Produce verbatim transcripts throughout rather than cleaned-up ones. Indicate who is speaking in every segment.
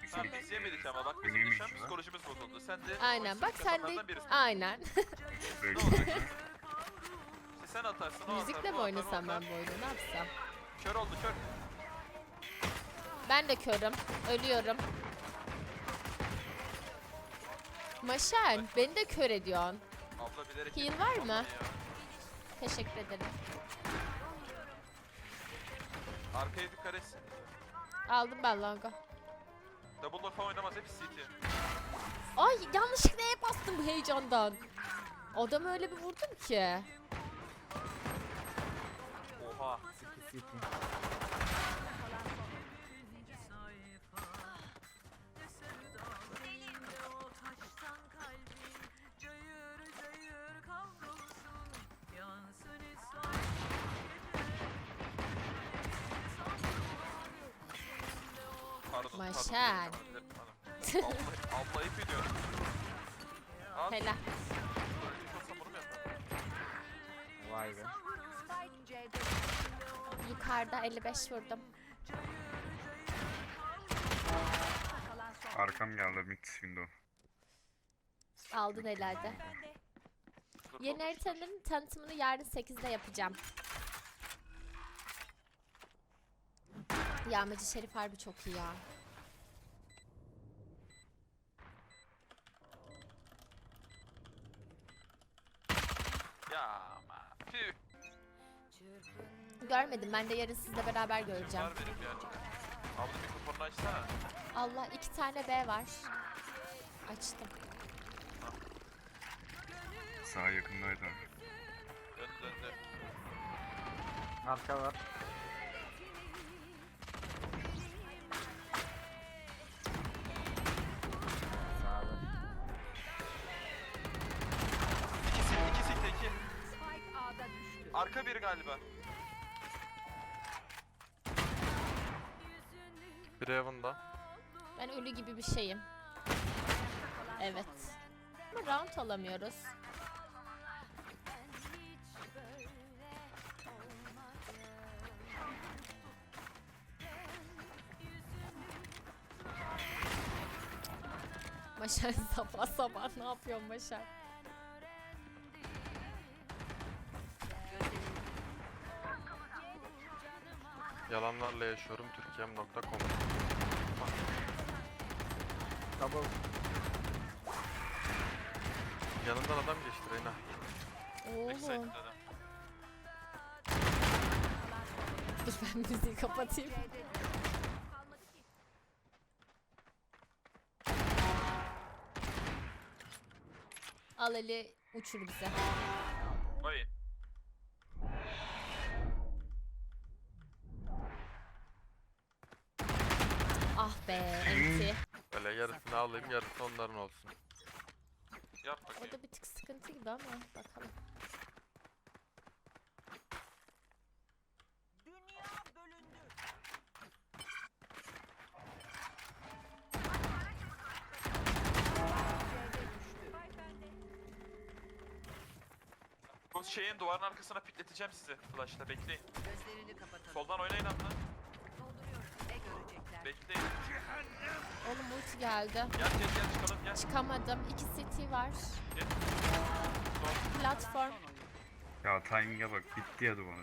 Speaker 1: Tamam biz yemedik ama bak bizim
Speaker 2: Yememiş
Speaker 1: şu an
Speaker 2: mi?
Speaker 1: psikolojimiz bozuldu. Sen de
Speaker 3: Aynen bak sen de
Speaker 1: kafanlardan birisin.
Speaker 3: aynen.
Speaker 1: Ne olacak? İşte sen atarsın o atar.
Speaker 3: Müzikle
Speaker 1: o
Speaker 3: mi
Speaker 1: atar, o
Speaker 3: oynasam
Speaker 1: atar.
Speaker 3: ben bu oyunu, ne yapsam?
Speaker 1: Kör oldu kör.
Speaker 3: Ben de körüm. Ölüyorum. Maşen beni de kör ediyorsun.
Speaker 1: Abla bilerek
Speaker 3: Heal
Speaker 1: yedim.
Speaker 3: var mı?
Speaker 1: Vallahi ya.
Speaker 3: Teşekkür ederim.
Speaker 1: Arkaya dikkat et.
Speaker 3: Aldım ben longa.
Speaker 1: Double door falan oynamaz hep C T.
Speaker 3: Ay yanlışlıkla E bastım bu heyecandan. Adamı öyle bir vurdum ki.
Speaker 1: Oha. Pardon.
Speaker 3: Maşen.
Speaker 1: Pardon. Abla, abla ip ediyor. Al.
Speaker 3: Helal.
Speaker 1: Hiç olsa bunu mu yapar?
Speaker 2: Vay be.
Speaker 3: Yukarıda elli beş vurdum.
Speaker 2: Arkam geldi mid window.
Speaker 3: Aldın herhalde. Yeni haritanın tanıtımını yarın sekizde yapacağım. Yağmacı Şerif harbi çok iyi ya.
Speaker 1: Ya ama. Püh.
Speaker 3: Görmedim, ben de yarın sizle beraber göreceğim.
Speaker 1: Var benim yani. Abla mikrofonunu açsana.
Speaker 3: Allah, iki tane B var. Açtım.
Speaker 2: Sağ yakındaydı abi.
Speaker 1: Döndü döndü.
Speaker 4: Arka var. Sağda.
Speaker 1: İkisi, ikisi ikide iki. Arka biri galiba.
Speaker 5: Bir Heaven'da.
Speaker 3: Ben ölü gibi bir şeyim. Evet. Ama round alamıyoruz. Maşer sabah sabah ne yapıyorsun Maşer?
Speaker 5: Yalanlarla yaşıyorum Türkiye'm nokta com.
Speaker 4: Double.
Speaker 5: Yanından adam geçti Reyna.
Speaker 1: Backside'de
Speaker 3: Oğlum.
Speaker 1: adam.
Speaker 3: Dur ben müziği kapatayım. Al eli uçur bize.
Speaker 1: Vay.
Speaker 3: Ah be enti.
Speaker 5: Böyle yarısını alayım yarısı onların olsun.
Speaker 1: Yap bakayım.
Speaker 3: Orada bir tık sıkıntı gibi ama bakalım.
Speaker 1: Bu şeyin duvarın arkasına pikleteceğim sizi. Flash'la bekleyin.
Speaker 6: Gözlerini kapatalım.
Speaker 1: Soldan oynayın abla.
Speaker 6: Dolduruyorum. Ne görecekler?
Speaker 1: Bekleyin.
Speaker 3: Oğlum ulti geldi.
Speaker 1: Gel gel gel çıkalım gel.
Speaker 3: Çıkamadım. İki city var.
Speaker 1: Gel. Sol.
Speaker 3: Platform.
Speaker 2: Ya timing'e bak bitti ya duvarı.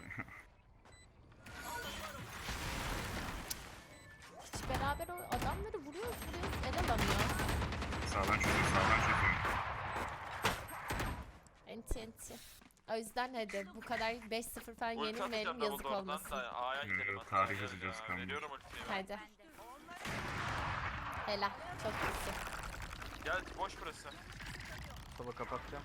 Speaker 3: Hiç beraber o adamları vuruyoruz vuruyoruz. El alamıyoruz.
Speaker 2: Sağdan çözüyor sağdan çözüyor.
Speaker 3: Enti enti. O yüzden hadi bu kadar beş sıfır falan
Speaker 1: Ulti
Speaker 3: yenilmeyelim,
Speaker 1: atacağım
Speaker 3: yazık
Speaker 1: double door'dan
Speaker 3: olmasın.
Speaker 1: da A'ya
Speaker 2: Yürü,
Speaker 1: gidelim hatta.
Speaker 2: tarih
Speaker 1: Gel
Speaker 2: yazacağız
Speaker 1: ya,
Speaker 2: kanka.
Speaker 1: Veriyorum ultiyi.
Speaker 3: Hadi. Helal. Çok iyisin.
Speaker 1: Gel boş burası.
Speaker 4: Sola kapatacağım.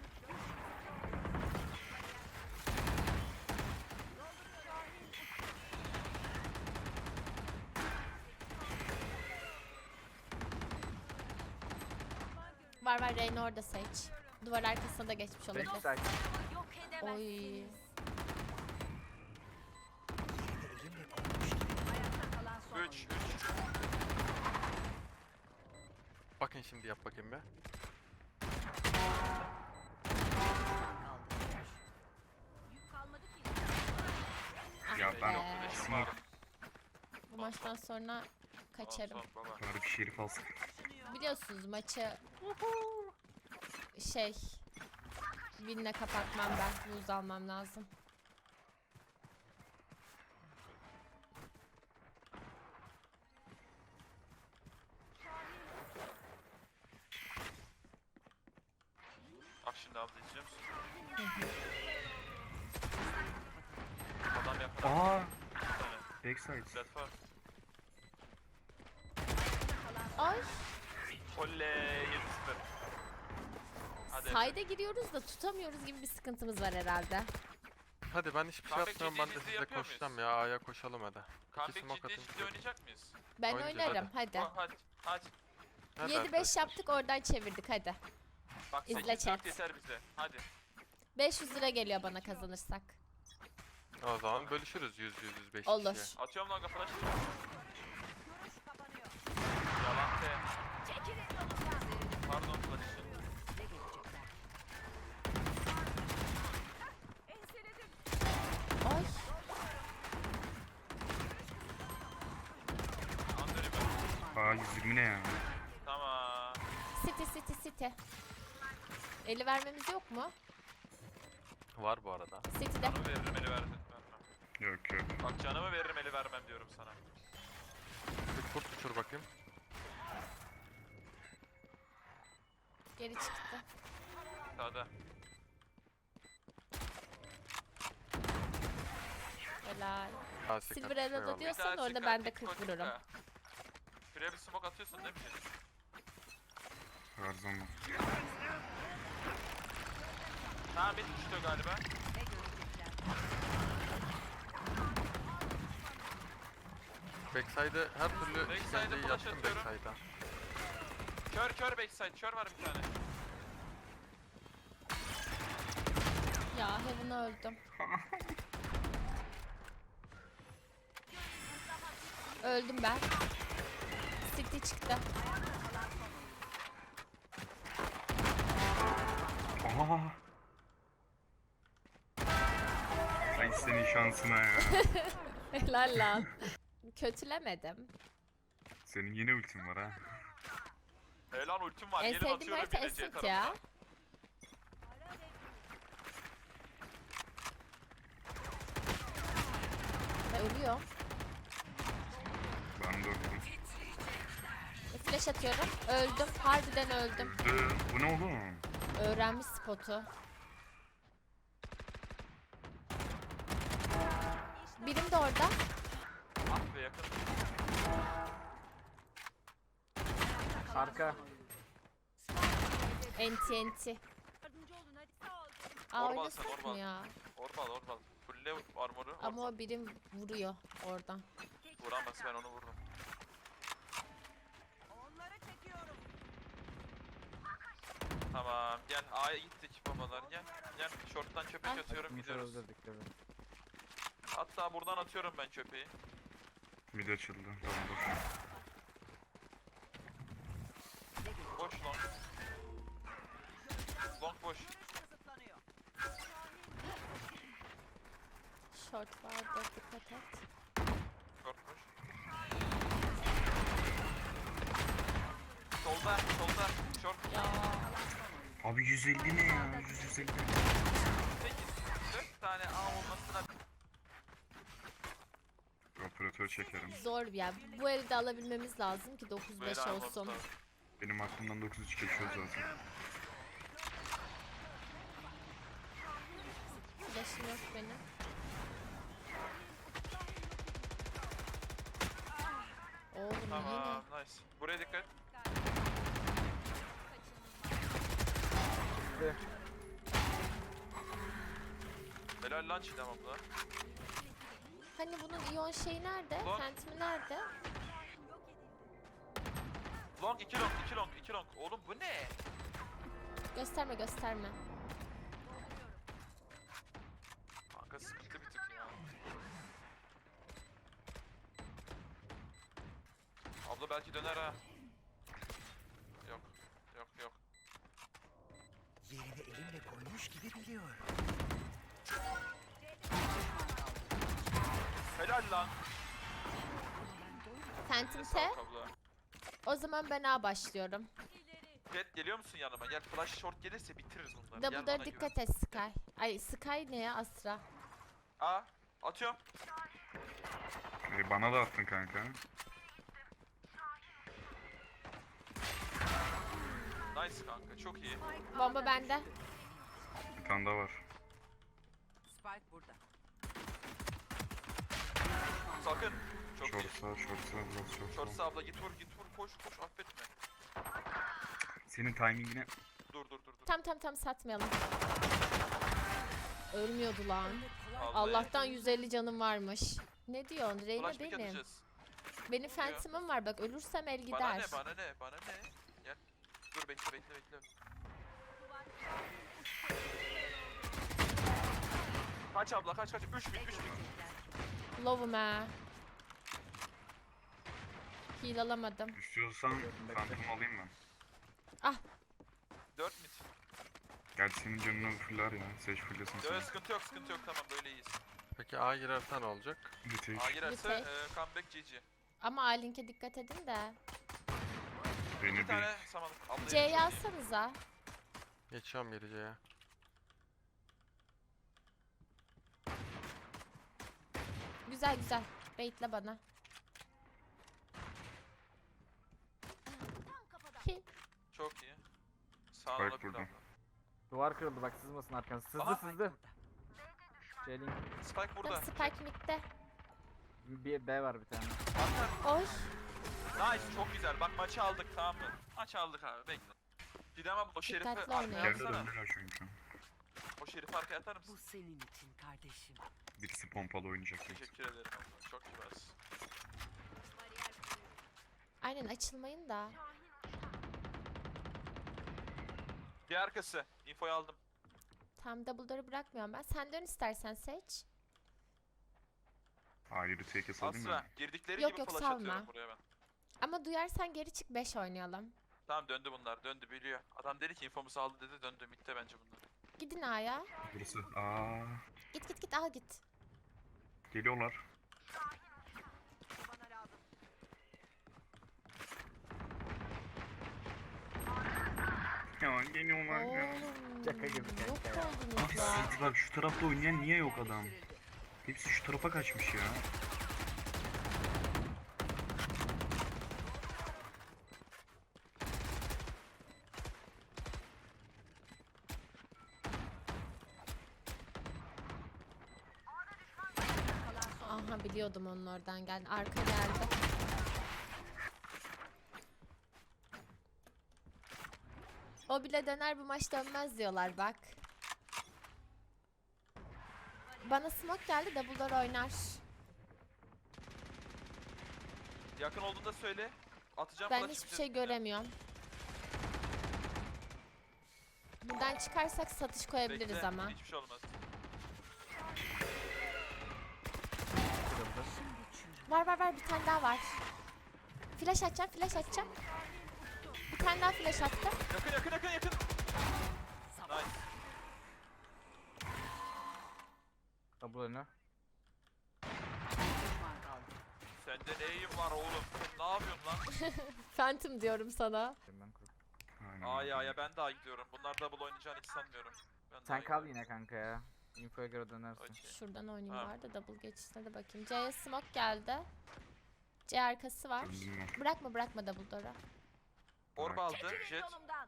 Speaker 3: Var var, Reyna orada Sage. Duvar arkasına da geçmiş olabilir.
Speaker 4: Backside.
Speaker 3: Oy.
Speaker 1: üç üç.
Speaker 5: Bakın şimdi yap bakayım be.
Speaker 2: Ya ben
Speaker 3: Ee,
Speaker 2: smoke
Speaker 3: Bu maçtan sonra Kaçarım.
Speaker 5: Son, son, baba.
Speaker 2: Bari bir şerif alsın.
Speaker 3: Biliyorsunuz maçı şey win'le kapatmam ben. Buz almam lazım.
Speaker 1: Bak şimdi abla izliyor musun? Adam yakın.
Speaker 2: Aa,
Speaker 1: Bir tane.
Speaker 2: backside.
Speaker 1: Zed var.
Speaker 3: Ay,
Speaker 1: Oley yedi sıfır. Hadi.
Speaker 3: sayda giriyoruz da tutamıyoruz gibi bir sıkıntımız var herhalde.
Speaker 5: Hadi ben hiçbir şey
Speaker 1: Comeback
Speaker 5: yapmıyorum. Ben de
Speaker 1: ciddi
Speaker 5: size
Speaker 1: yapıyor
Speaker 5: koşacağım
Speaker 1: muyuz?
Speaker 5: ya. A'ya koşalım hadi. İki
Speaker 1: Comeback
Speaker 5: smoke
Speaker 1: ciddi
Speaker 5: atayım
Speaker 1: ciddi
Speaker 5: size.
Speaker 1: oynayacak mıyız?
Speaker 3: Ben
Speaker 5: Oynayacağız,
Speaker 3: oynarım hadi.
Speaker 1: Hadi. Hadi. Hadi.
Speaker 5: Hadi
Speaker 3: yedi beş
Speaker 5: arkadaşlar.
Speaker 3: yaptık oradan çevirdik hadi.
Speaker 1: Bak
Speaker 3: İzle
Speaker 1: sekiz
Speaker 3: chat.
Speaker 1: dört yeter bize. Hadi.
Speaker 3: beş yüz lira geliyor bana kazanırsak.
Speaker 5: O zaman bölüşürüz yüz yüz yüz beş
Speaker 3: Olur.
Speaker 5: kişiye.
Speaker 1: Atıyorum longa flash. Yalan be. Pardon flash için.
Speaker 3: Ay,
Speaker 1: Andırayım ben.
Speaker 2: Aa yüz yirmi ne ya?
Speaker 1: Tamam.
Speaker 3: city city city. Eli vermemiz yok mu?
Speaker 5: Var bu arada.
Speaker 3: City'de.
Speaker 1: Canımı veririm eli verdim.
Speaker 2: Yok yok.
Speaker 1: Bak canımı veririm eli vermem diyorum sana.
Speaker 5: Bir kurt uçur bakayım.
Speaker 3: Geri çıktı.
Speaker 1: Sağda.
Speaker 3: Helal.
Speaker 5: Asi
Speaker 3: Silver
Speaker 5: kaç,
Speaker 3: Arrow'da
Speaker 5: eyvallah.
Speaker 3: diyor- Diyorsan
Speaker 1: Bir daha
Speaker 3: orada
Speaker 1: çıkar,
Speaker 3: ben de
Speaker 1: çıkar,
Speaker 3: kırk
Speaker 1: çıkar.
Speaker 3: vururum.
Speaker 1: Şuraya bir smoke atıyorsun değil mi?
Speaker 2: Her zaman.
Speaker 1: Tamam bir düştü galiba.
Speaker 6: Ne görecekler?
Speaker 5: Backside'e her türlü
Speaker 1: Backside'e
Speaker 5: işkenceyi
Speaker 1: flash
Speaker 5: yaptım
Speaker 1: atıyorum.
Speaker 5: backside'a.
Speaker 1: Kör kör backside. Kör var bir tane.
Speaker 3: Ya Heaven'a öldüm. Öldüm ben. City çıktı.
Speaker 2: Aa. Ay senin şansına ya.
Speaker 3: Helal lan. Kötülemedim.
Speaker 2: Senin yine ultin var ha.
Speaker 1: Helal ultim var.
Speaker 3: En
Speaker 1: Gelin
Speaker 3: sevdiğim
Speaker 1: atıyorum
Speaker 3: harita
Speaker 1: yine C
Speaker 3: Ascent
Speaker 1: tarafına.
Speaker 3: ya. Ve ölüyor.
Speaker 2: Ben de öldüm.
Speaker 3: Flash atıyorum. Öldüm. Harbiden öldüm.
Speaker 2: Öldü. Bu ne oğlum?
Speaker 3: Öğrenmiş spotu. Birim de orada.
Speaker 1: Ah be yakın.
Speaker 4: Arka.
Speaker 3: Enti enti. Aa
Speaker 1: Orbal
Speaker 3: oynasak
Speaker 1: sen,
Speaker 3: mı
Speaker 1: orbal.
Speaker 3: ya?
Speaker 1: Orbal orbal. Fulle armoru.
Speaker 3: Ama o birim vuruyor oradan.
Speaker 1: Vuramaz ben onu vururum.
Speaker 6: Onları çekiyorum.
Speaker 1: Tamam gel A'ya gittik babalar gel. Gel short'tan köpek
Speaker 3: Ah.
Speaker 1: atıyorum
Speaker 4: Yumuşak
Speaker 1: gidiyoruz.
Speaker 4: öldürdük evet.
Speaker 1: Hatta buradan atıyorum ben köpeği.
Speaker 2: Mid açıldı. Tamam boş.
Speaker 1: Boş long. Long boş.
Speaker 6: Kısıtlanıyor.
Speaker 3: Short vardı dikkat et.
Speaker 1: Short boş. Solda solda short.
Speaker 3: Ya
Speaker 2: Abi yüz elli ne ya? yüz yüz elli.
Speaker 1: sekiz. dört tane A olmasına.
Speaker 2: Operatör çekerim.
Speaker 3: zor ya. Bu elde alabilmemiz lazım ki dokuz beş
Speaker 1: Böyle almamız
Speaker 3: olsun.
Speaker 1: lazım.
Speaker 2: Benim aklımdan dokuz üç geçiyor zaten.
Speaker 3: Flash'ım yok benim. Oğlum
Speaker 1: Tamam nice. Buraya dikkat.
Speaker 4: Gitti.
Speaker 1: Helal lan Çiğdem abla.
Speaker 3: yine. Hani bunun iyon şeyi nerede?
Speaker 1: Ulan.
Speaker 3: Phantom'i nerede?
Speaker 1: Long iki long iki long iki long. Oğlum bu ne?
Speaker 3: Gösterme gösterme.
Speaker 1: Kanka sıkıntı bir tık ya. Abla belki döner ha. Yok. Yok yok.
Speaker 7: Yerini elimle koymuş gibi biliyorum.
Speaker 1: Helal lan.
Speaker 3: Phantom
Speaker 1: Sağ
Speaker 3: T.
Speaker 1: ol abla.
Speaker 3: O zaman ben A başlıyorum.
Speaker 1: Jet geliyor musun yanıma? Gel flash short gelirse bitiririz bunları. Gel
Speaker 3: Double'lara
Speaker 1: bana
Speaker 3: dikkat
Speaker 1: güven.
Speaker 3: et Sky. Ay Sky ne ya Asra?
Speaker 1: Aa atıyorum.
Speaker 2: E, bana da attın kanka.
Speaker 1: Nice kanka çok iyi.
Speaker 3: Bomba bende.
Speaker 2: Bir tane daha var.
Speaker 6: Spike burada.
Speaker 1: Sakın. Çok
Speaker 2: Short
Speaker 1: iyi.
Speaker 2: sağ, short sağ, biraz short
Speaker 1: Short
Speaker 2: sağ.
Speaker 1: sağ abla git vur git vur koş koş affetme.
Speaker 2: Senin timingine
Speaker 1: Dur dur dur dur.
Speaker 3: Tam tam tam satmayalım. Ölmüyordu lan.
Speaker 1: Vallahi.
Speaker 3: Allah'tan yüz elli canım varmış. Ne diyorsun? Reyna
Speaker 1: Flash pick
Speaker 3: benim.
Speaker 1: atacağız.
Speaker 3: Benim Phantom'ım var bak ölürsem el
Speaker 1: Bana
Speaker 3: gider.
Speaker 1: ne bana ne bana ne. Gel. Dur bekle bekle bekle. Kaç abla kaç kaç. üç bin üç bin.
Speaker 3: Love'um ha. Heal alamadım.
Speaker 2: istiyorsan phantom alayım ben.
Speaker 1: dört mid.
Speaker 2: Gerçi senin canını fuller ya. Seç fullesin
Speaker 1: Yok
Speaker 2: sen.
Speaker 1: sıkıntı yok sıkıntı yok tamam böyle iyiyiz.
Speaker 5: Peki A girerse ne olacak?
Speaker 2: Retake.
Speaker 1: A girerse
Speaker 3: Okey.
Speaker 1: e, comeback G G.
Speaker 3: Ama A-Link'e dikkat edin de.
Speaker 2: Beni
Speaker 1: Bir
Speaker 2: bir
Speaker 1: tane samanlık. Abla
Speaker 3: C'yi
Speaker 1: çok iyi.
Speaker 3: alsanıza.
Speaker 5: Geçiyorum gireceğe.
Speaker 3: Güzel güzel. Baitle bana. Hi.
Speaker 1: Çok iyi. Sağ
Speaker 2: Spike
Speaker 1: olabilir
Speaker 2: burada.
Speaker 1: abla.
Speaker 4: Duvar kırıldı bak sızmasın arkanız. Sızdı
Speaker 1: Aha.
Speaker 4: sızdı. J-Link.
Speaker 1: Spike burada.
Speaker 3: Tam Spike midde.
Speaker 4: Bir B var bir tane.
Speaker 1: Arka.
Speaker 3: Oy.
Speaker 1: Nice çok güzel. Bak maçı aldık tamam mı? Maçı aldık abi bekle. Gidem abi o şerifi
Speaker 3: Dikkatli
Speaker 1: arkaya
Speaker 3: oynayın.
Speaker 2: Yerde
Speaker 1: atsana.
Speaker 2: döndüler çünkü.
Speaker 1: O şerifi arkaya atar
Speaker 6: Bu
Speaker 1: mısın?
Speaker 6: senin için kardeşim.
Speaker 2: Birisi pompalı oynayacak. büyük
Speaker 1: Teşekkür ederim abla. Çok kibarsın.
Speaker 3: Aynen açılmayın da.
Speaker 1: Bir arkası. Infoyu aldım.
Speaker 3: Tam double door'u bırakmıyorum ben. Sen dön istersen seç.
Speaker 2: Hayır retake salayım
Speaker 1: Asra.
Speaker 2: mı?
Speaker 1: Girdikleri
Speaker 3: Yok,
Speaker 1: gibi
Speaker 3: yok,
Speaker 1: flash
Speaker 3: salma.
Speaker 1: atıyorum buraya ben.
Speaker 3: Ama duyarsan geri çık beş oynayalım.
Speaker 1: Tamam döndü bunlar. Döndü biliyor. Adam dedi ki infomuzu aldı dedi döndü. Mitte bence bunlar.
Speaker 3: Gidin A'ya.
Speaker 2: Burası. Aa,
Speaker 3: Git git git al git.
Speaker 2: geliyorlar.
Speaker 6: Bana lazım.
Speaker 2: Ya geliyorlar ya.
Speaker 3: Oğlum.
Speaker 4: Şaka gibi
Speaker 3: Yok
Speaker 4: kanka ya.
Speaker 3: oldunuz
Speaker 2: Abi
Speaker 3: ya.
Speaker 2: siz bak şu tarafta oynayan niye yok adam? Hepsi şu tarafa kaçmış ya.
Speaker 3: Aha biliyordum onun oradan geldi. Arka geldi. O bile döner bu maç dönmez diyorlar bak. Bana smoke geldi double door oynar.
Speaker 1: Yakın olduğunda söyle. Atacağım
Speaker 3: Ben
Speaker 1: flash
Speaker 3: hiçbir
Speaker 1: bize.
Speaker 3: şey göremiyorum. Buradan çıkarsak satış koyabiliriz
Speaker 1: Bekle,
Speaker 3: ama.
Speaker 1: Hiçbir şey olmaz.
Speaker 4: Kırıldı.
Speaker 3: Var var var bir tane daha var. Flash atacağım flash atacağım. Bir tane daha flash attım.
Speaker 1: Yakın yakın yakın yakın. Nice.
Speaker 4: Double önü.
Speaker 6: Düşman kaldı.
Speaker 1: Sende neyim var oğlum? Sen ne yapıyorsun lan?
Speaker 3: Phantom diyorum sana.
Speaker 4: Ben kur-
Speaker 2: Aynen.
Speaker 1: Aa ya ya ben daha gidiyorum. Bunlar double oynayacağını hiç sanmıyorum. Ben daha
Speaker 4: Sen kal
Speaker 1: gidiyorum.
Speaker 4: yine kanka ya. Infoya göre dönersin.
Speaker 1: Okey.
Speaker 3: Şuradan oynayayım
Speaker 1: Ha.
Speaker 3: var da double geçişine de bakayım. C'ye smoke geldi. C arkası var.
Speaker 2: Döndüm ben.
Speaker 3: Bırakma bırakma double door'u.
Speaker 1: Orb aldı. Jet.
Speaker 6: Yolumdan.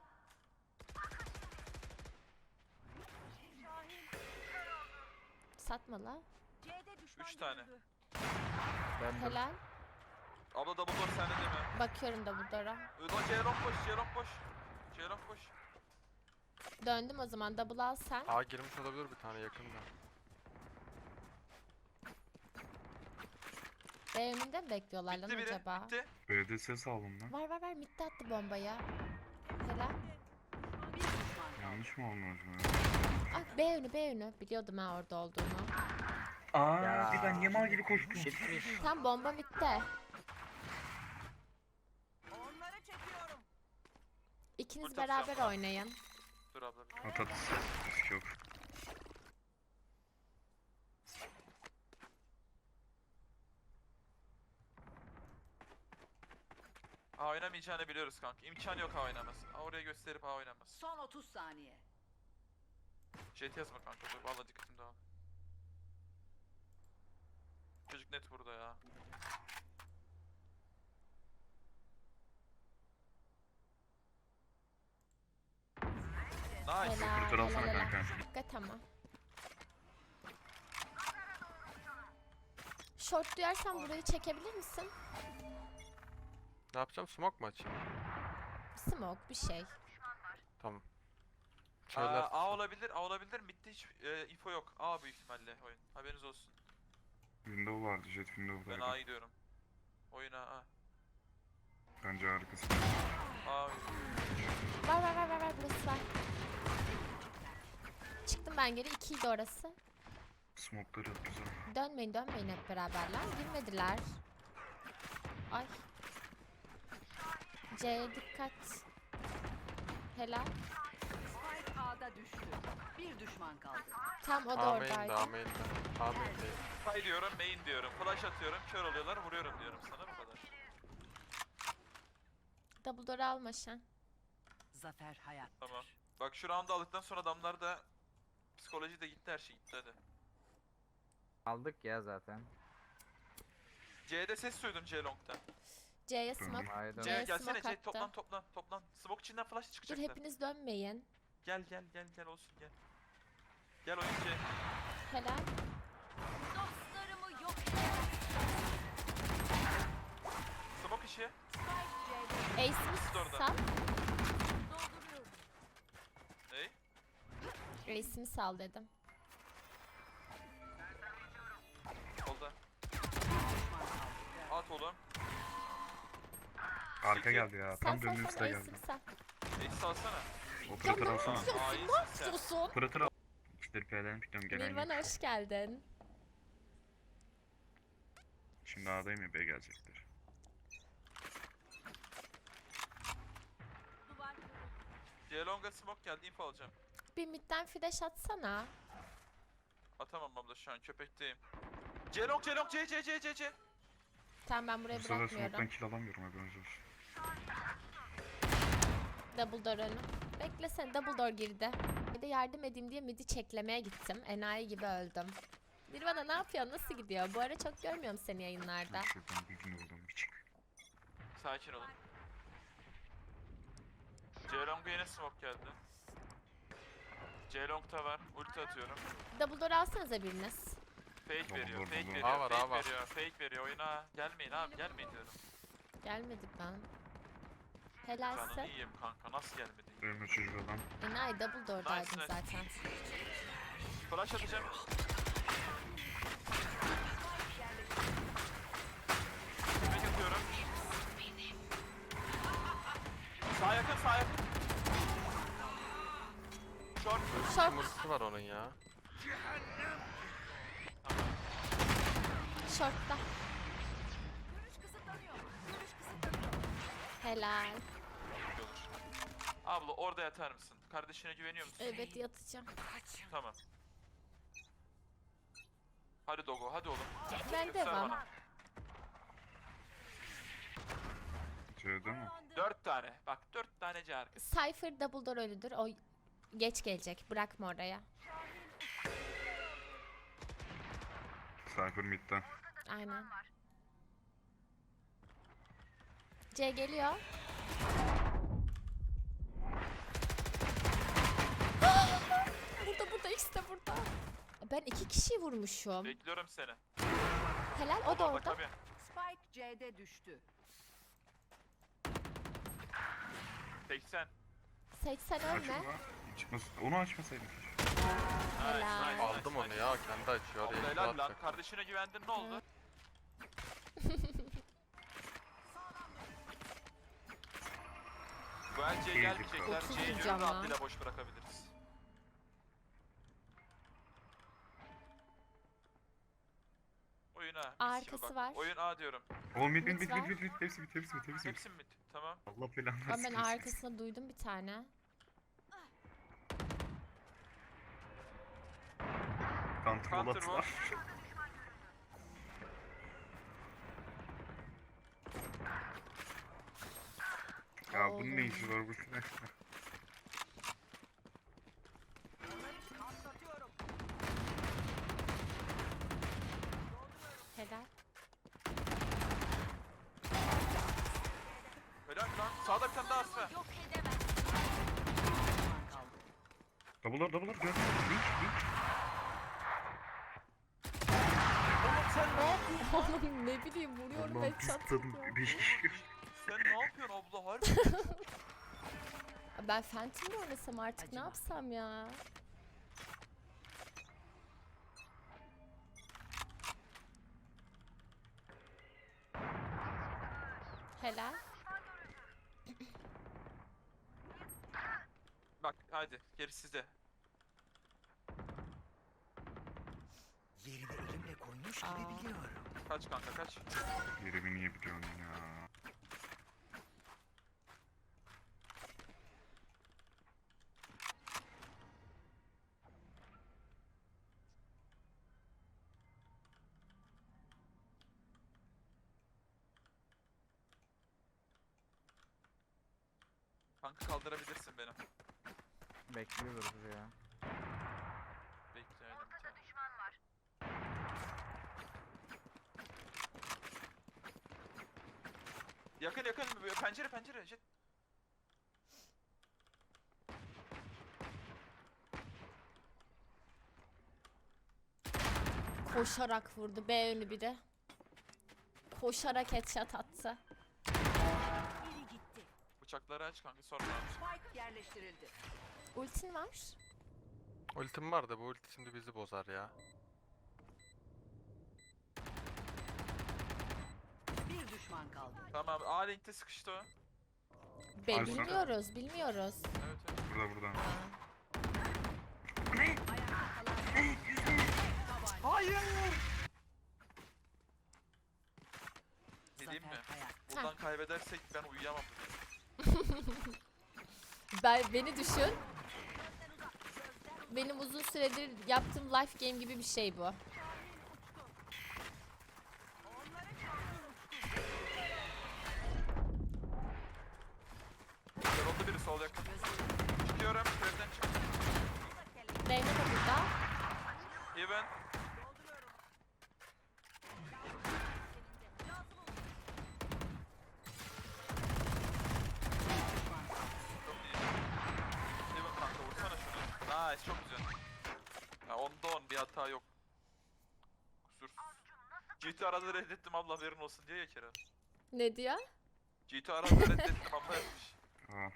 Speaker 3: Satma la.
Speaker 6: C'de düşman
Speaker 1: Üç tane.
Speaker 6: görüldü.
Speaker 4: Ben de
Speaker 3: Helal.
Speaker 1: Abla double door sende değil mi?
Speaker 3: Bakıyorum double door'a.
Speaker 1: Ulan Ceylon boş, Ceylon boş. Ceylon boş.
Speaker 3: Döndüm o zaman double al sen.
Speaker 5: A girmiş olabilir bir tane yakında.
Speaker 3: B önünde mi bekliyorlar lan
Speaker 1: Bitti biri.
Speaker 3: acaba?
Speaker 1: Bitti.
Speaker 2: B'de ses aldım lan.
Speaker 3: Var var var midde attı bombayı. Helal.
Speaker 6: Bir düşman kaldı.
Speaker 2: Yanlış mı olmuş mu?
Speaker 3: Ah B önü B önü. Biliyordum ha orada olduğunu.
Speaker 2: Aa,
Speaker 4: Ya.
Speaker 2: bir ben niye mal gibi koştum?
Speaker 4: Gitmiş.
Speaker 3: Tam bomba midde.
Speaker 6: Onları çekiyorum.
Speaker 3: İkiniz
Speaker 1: Ulti atacağım
Speaker 3: beraber
Speaker 1: ben.
Speaker 3: oynayın.
Speaker 1: Dur abla. bir-
Speaker 2: At at. Risk yok.
Speaker 1: A oynamayacağını biliyoruz kanka. İmkan yok A oynaması. A oraya gösterip A oynaması.
Speaker 6: Son otuz saniye.
Speaker 1: Jet yazma kanka dur valla dikkatim dağıldı. Çocuk net burada ya. Nice.
Speaker 3: Helal,
Speaker 2: Operatör alsana
Speaker 3: helal, helal.
Speaker 2: kanka.
Speaker 3: Dikkat ama. Short duyarsan burayı çekebilir misin?
Speaker 5: Ne yapacağım? Smoke mu açayım?
Speaker 3: Smoke bir şey.
Speaker 5: Tamam.
Speaker 1: Aa,
Speaker 5: Şeyler...
Speaker 1: A olabilir, A olabilir. Mid'de hiç e, info yok. A büyük ihtimalle oyun. Haberiniz olsun.
Speaker 2: Window vardı, jet
Speaker 1: Ben
Speaker 2: window'daydı.
Speaker 1: A'ya gidiyorum. Oyuna A.
Speaker 2: Bence harikasın.
Speaker 1: A.
Speaker 3: Var var var var var burası var. Çıktım ben geri, ikiydi orası.
Speaker 2: Smoke'ları at güzel.
Speaker 3: Dönmeyin dönmeyin hep beraber lan. Girmediler. Ay. C'ye dikkat. Helal.
Speaker 6: Spike A'da düştü. Bir düşman kaldı.
Speaker 3: Tam o da
Speaker 5: A main'de, A
Speaker 3: oradaydı.
Speaker 5: main'de. A main'de.
Speaker 1: Fay diyorum, main diyorum. Flash atıyorum, kör oluyorlar, vuruyorum diyorum sana bu kadar.
Speaker 3: Double door alma Şen.
Speaker 6: Zafer hayattır.
Speaker 1: Tamam. Bak şu round'u aldıktan sonra adamlar da psikoloji de gitti, her şey gitti hadi.
Speaker 4: Aldık ya zaten.
Speaker 1: C'de ses duydum C long'dan.
Speaker 3: C'ye smoke.
Speaker 4: Hayda.
Speaker 1: C
Speaker 3: Evet,
Speaker 1: gelsene
Speaker 3: smoke
Speaker 1: C
Speaker 3: attı.
Speaker 1: toplan toplan toplan. Smoke içinden flash
Speaker 3: Dur
Speaker 1: çıkacaklar.
Speaker 3: hepiniz dönmeyin.
Speaker 1: Gel gel gel gel olsun gel. Gel oyun C.
Speaker 3: Helal.
Speaker 6: Dostlarımı yok.
Speaker 1: Smoke işi.
Speaker 3: Ace'imi
Speaker 1: Siz de orada.
Speaker 3: sal.
Speaker 6: Dolduruyorum.
Speaker 1: Ney?
Speaker 3: Ace'imi sal dedim.
Speaker 1: Solda.
Speaker 6: Düşman kaldı.
Speaker 1: At oğlum.
Speaker 2: Arka geldi ya.
Speaker 3: Sal
Speaker 2: Tam
Speaker 3: sal
Speaker 2: döndüğüm
Speaker 3: sal
Speaker 2: size geldi.
Speaker 3: Ace'imi sal.
Speaker 1: Ace salsana.
Speaker 2: Operatör alsana.
Speaker 1: Aa iyisin sen.
Speaker 3: Susun.
Speaker 2: Operatör al. İşleri P'den pikliyorum gelen yok.
Speaker 3: Nirvana hoş geldin.
Speaker 2: Şimdi A'dayım ya B gelecekler.
Speaker 6: Duvar.
Speaker 1: C long'a smoke geldi, info alacağım.
Speaker 3: Bir midden flash atsana.
Speaker 1: Atamam abla şu an köpekteyim. C long C long C C C C C.
Speaker 3: Tamam ben burayı
Speaker 2: Bu sefer smoke'tan
Speaker 3: bırakmıyorum.
Speaker 2: kill alamıyorum haberiniz olsun.
Speaker 3: Double door önü. Beklesene, double door girdi. Bir de yardım edeyim diye midi çeklemeye gittim. Enayi gibi öldüm. Nirvana ne yapıyor? Nasıl gidiyor? Bu ara çok görmüyorum seni yayınlarda.
Speaker 2: Şuradan bir gün oldum bir çık.
Speaker 1: Sakin olun. C long'a yine smoke geldi. C long'ta var. Ulti atıyorum.
Speaker 3: Double door alsanıza biriniz.
Speaker 1: Fake
Speaker 2: Tamam,
Speaker 1: veriyor,
Speaker 2: dur,
Speaker 1: fake
Speaker 2: dur, dur.
Speaker 1: veriyor,
Speaker 5: A var,
Speaker 1: fake
Speaker 5: A var.
Speaker 1: veriyor, fake veriyor. Oyuna gelmeyin abi, gelmeyin diyorum.
Speaker 3: Gelmedik ben.
Speaker 1: Canını
Speaker 3: Helalse.
Speaker 1: yiyeyim kanka, nasıl gelmedin?
Speaker 2: Ölme çocuğu adam.
Speaker 3: Enayi double door'daydım
Speaker 1: Nice, nice.
Speaker 3: zaten.
Speaker 1: Flash atacağım. Fake atıyorum. Sağ yakın, sağ yakın. Short.
Speaker 3: Short,
Speaker 5: Mırsı var onun ya.
Speaker 3: short'ta.
Speaker 6: Görüş kısıtlanıyor. Görüş kısıtlanıyor.
Speaker 3: Helal.
Speaker 1: Çok iyi olur. Abla orada yatar mısın? Kardeşine güveniyor musun?
Speaker 3: Evet yatacağım.
Speaker 1: Tamam. Hadi Dogo, hadi oğlum.
Speaker 3: Ben
Speaker 1: Göster
Speaker 3: devam.
Speaker 1: bana.
Speaker 2: C'de mi?
Speaker 1: Dört tane. Bak dört tane C arkası.
Speaker 3: Cypher double door ölüdür. O geç gelecek. Bırakma oraya.
Speaker 2: Cypher mid'den.
Speaker 3: Aynen. C geliyor. Burada burada ikisi de burada. Ben iki kişiyi vurmuşum.
Speaker 1: Bekliyorum seni.
Speaker 3: Helal o da
Speaker 1: Bak
Speaker 3: orada.
Speaker 1: tabii.
Speaker 6: Spike C'de düştü.
Speaker 1: seksen.
Speaker 3: seksen
Speaker 2: Açık
Speaker 3: ölme.
Speaker 2: mı? Çıkmasın. Onu açmasaydım.
Speaker 3: Helal.
Speaker 1: Nice, nice,
Speaker 5: Aldım
Speaker 1: nice,
Speaker 5: onu
Speaker 1: nice.
Speaker 5: ya. Kendi açıyor.
Speaker 1: Abla
Speaker 5: Oraya
Speaker 1: helal lan.
Speaker 5: atacak.
Speaker 1: Kardeşine güvendin ne oldu? Bu el C'ye gelmeyecekler.
Speaker 3: Otuz
Speaker 1: C'yi gönül
Speaker 3: vuracağım lan.
Speaker 1: rahatlığıyla boş bırakabiliriz. Oyun A. mis gibi
Speaker 3: Arkası
Speaker 1: bak.
Speaker 3: var.
Speaker 1: Oyun A diyorum.
Speaker 2: O mid mid
Speaker 3: Mid
Speaker 2: mid
Speaker 3: var.
Speaker 2: mid mid mid. Hepsi mid hepsi mid hepsi mid.
Speaker 1: Hepsi mi mid? Tamam.
Speaker 2: Allah belanı
Speaker 3: Ama
Speaker 2: versin.
Speaker 3: ben arkasında duydum bir tane.
Speaker 2: Counter
Speaker 1: Counter
Speaker 2: roll
Speaker 1: var.
Speaker 2: attılar. bunun ne işi var bu silahla?
Speaker 3: Helal.
Speaker 1: Helal lan. Sağda bir tane daha asma.
Speaker 6: Yok edemez. Düşman kaldı.
Speaker 2: Double'lar double'lar gör. Link link.
Speaker 1: Oğlum sen ne yapıyorsun?
Speaker 3: Oğlum ne bileyim vuruyorum
Speaker 2: Allah'ım
Speaker 3: ve
Speaker 2: pis
Speaker 3: çat
Speaker 2: tadım.
Speaker 3: atıyor.
Speaker 2: beş kişi gör.
Speaker 1: Sen ne yapıyorsun abla harbi?
Speaker 3: Ben Phantom mi oynasam artık ne
Speaker 6: Acıma.
Speaker 3: yapsam ya? Helal.
Speaker 1: Bak haydi geri sizde.
Speaker 7: Yerini elimle koymuş
Speaker 3: Aa.
Speaker 7: gibi biliyorum.
Speaker 1: Kaç kanka kaç.
Speaker 2: Yerimi niye biliyorsun ya?
Speaker 1: Kanka kaldırabilirsin beni.
Speaker 4: Bekliyoruz ya.
Speaker 1: Bekleyelim. Yakın yakın pencere pencere jet.
Speaker 3: Koşarak vurdu B önü biri. Koşarak headshot attı.
Speaker 6: Biri gitti.
Speaker 1: Bıçakları aç kanka sonra.
Speaker 6: Spike yerleştirildi.
Speaker 3: Ultin var.
Speaker 5: Ultim var da bu ulti şimdi bizi bozar ya.
Speaker 6: Bir düşman kaldı.
Speaker 1: Tamam A linkte sıkıştı o.
Speaker 3: Be
Speaker 2: Alfa.
Speaker 3: bilmiyoruz, bilmiyoruz.
Speaker 1: Evet evet.
Speaker 2: Burada burada.
Speaker 3: Aa,
Speaker 6: Ayakta kalan
Speaker 1: Hayır. Ne diyeyim mi?
Speaker 6: Zafer Kaya.
Speaker 1: Buradan kaybedersek ben uyuyamam.
Speaker 3: Ben beni düşün. Benim uzun süredir yaptığım life game gibi bir şey bu.
Speaker 1: Yoruldu biri sol yakın. Çıkıyorum. Evden çık.
Speaker 3: Reyna da burada.
Speaker 1: Even. Çok iyi. Even kanka vursana şunu. Nice çok güzel. Ya onda on bir hata yok. Kusursuz. G T arada reddettim abla haberin olsun diye ya kere.
Speaker 3: Ne diyor?
Speaker 1: G T arada reddettim abla yapmış.
Speaker 2: Aa.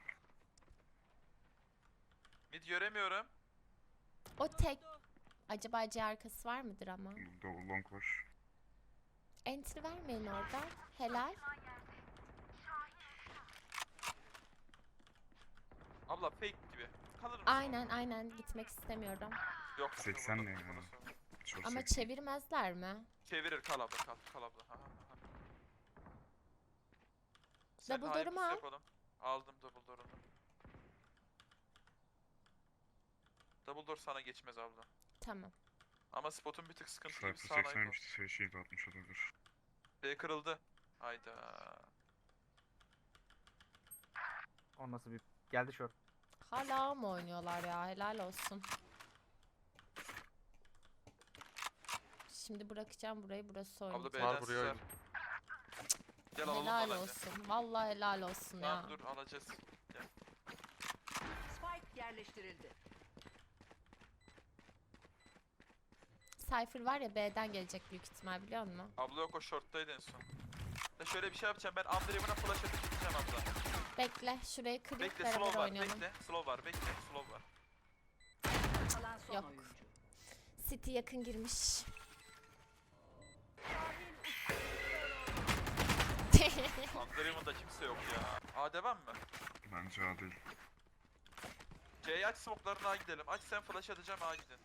Speaker 1: Mid göremiyorum.
Speaker 3: O tek. Acaba C arkası var mıdır ama?
Speaker 2: Double long var.
Speaker 3: Enter vermeyin orada. Helal.
Speaker 1: Abla fake gibi. Kalır mısın?
Speaker 3: Aynen aynen gitmek istemiyorum.
Speaker 1: Yok.
Speaker 2: seksen ne ya?
Speaker 1: Burası.
Speaker 2: Çok
Speaker 3: Ama
Speaker 2: seksi.
Speaker 3: çevirmezler mi?
Speaker 1: Çevirir kal abla kal kal abla. Aha, aha. Sen
Speaker 3: Double
Speaker 1: hayır
Speaker 3: door'umu
Speaker 1: pusu
Speaker 3: al.
Speaker 1: yapalım. Aldım double door'unu. Double door sana geçmez abla.
Speaker 3: Tamam.
Speaker 1: Ama spotun bir tık sıkıntı gibi
Speaker 2: Sayfa
Speaker 1: sağına ait
Speaker 2: seksenmişti. Şey şeyi de atmış olabilir.
Speaker 1: B kırıldı. Hayda.
Speaker 4: O nasıl bir... Geldi short.
Speaker 3: Hala mı oynuyorlar ya? Helal olsun. Şimdi bırakacağım burayı, burası
Speaker 1: Abla
Speaker 3: oynayacak.
Speaker 1: B'den
Speaker 5: Var buraya
Speaker 1: sizler.
Speaker 5: oyun.
Speaker 1: Gel alalım
Speaker 3: Helal
Speaker 1: bence.
Speaker 3: olsun. Vallahi helal olsun ya.
Speaker 1: Tamam dur alacağız. Gel.
Speaker 6: Spike yerleştirildi.
Speaker 3: Cypher var ya B'den gelecek büyük ihtimal biliyor musun?
Speaker 1: Abla yok o short'taydı en son. Ya şöyle bir şey yapacağım ben Underhaven'a flash atıp gideceğim abla.
Speaker 3: Bekle şurayı kırıp
Speaker 1: Bekle
Speaker 3: beraber
Speaker 1: slow var
Speaker 3: oynayalım.
Speaker 1: bekle. Slow var bekle slow var.
Speaker 6: Kalan son
Speaker 3: Yok.
Speaker 6: oyuncu.
Speaker 3: City yakın girmiş.
Speaker 1: Underhaven'da kimse yok ya. A devam mı?
Speaker 2: Bence A değil.
Speaker 1: C'yi aç smoke'larına A gidelim. Aç sen flash atacağım A gidin.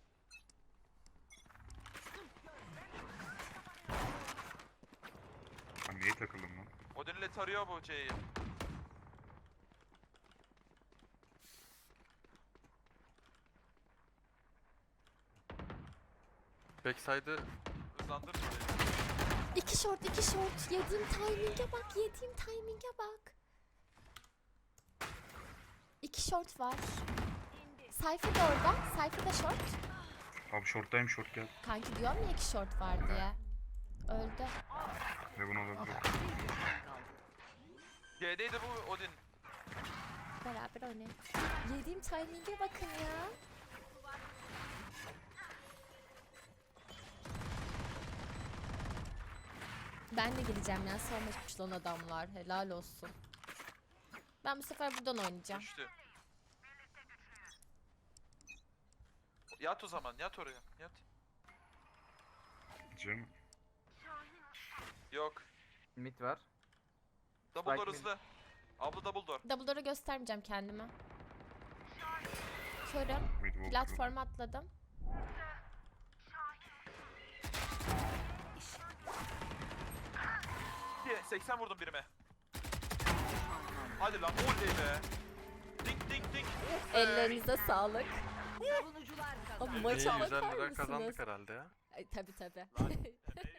Speaker 2: Ben neye takıldım lan?
Speaker 1: Odin'le tarıyor bu C'yi.
Speaker 5: Backside'ı
Speaker 1: Hızlandır burayı.
Speaker 3: İki short iki short. Yediğim timing'e bak, yediğim timing'e bak. short var. Cypher da orada. Cypher da short.
Speaker 2: Abi short'tayım, short gel.
Speaker 3: Kanki diyorum ya iki short var diye. Öldü.
Speaker 2: Ve bunu olabilir.
Speaker 6: Bir düşman kaldı.
Speaker 1: G'deydi bu Odin.
Speaker 3: Beraber oynayalım. Yediğim timing'e bakın ya. Ben de gideceğim ya. Savunmuş lan adamlar. Helal olsun. Ben bu sefer buradan oynayacağım.
Speaker 1: Düştü. Yat o zaman, yat oraya. Yat.
Speaker 2: Cem.
Speaker 1: Yok.
Speaker 4: Mid var.
Speaker 1: Double door
Speaker 4: Spike mid.
Speaker 1: hızlı. Abla double door.
Speaker 3: Double door'u göstermeyeceğim kendime. Körüm.
Speaker 2: Mid walk.
Speaker 3: Platforma atladım.
Speaker 1: Diye seksen vurdum birime. Hadi lan oley be. Ding ding ding. Of be.
Speaker 3: Ellerinize sağlık.
Speaker 6: Savunucular
Speaker 3: Abi
Speaker 6: kazandı.
Speaker 3: maça
Speaker 5: İyi, yüz elli
Speaker 3: bakar
Speaker 5: lira kazandık
Speaker 3: mısınız?
Speaker 5: herhalde ya.
Speaker 3: Ay, tabii tabii.
Speaker 1: Lan, emeği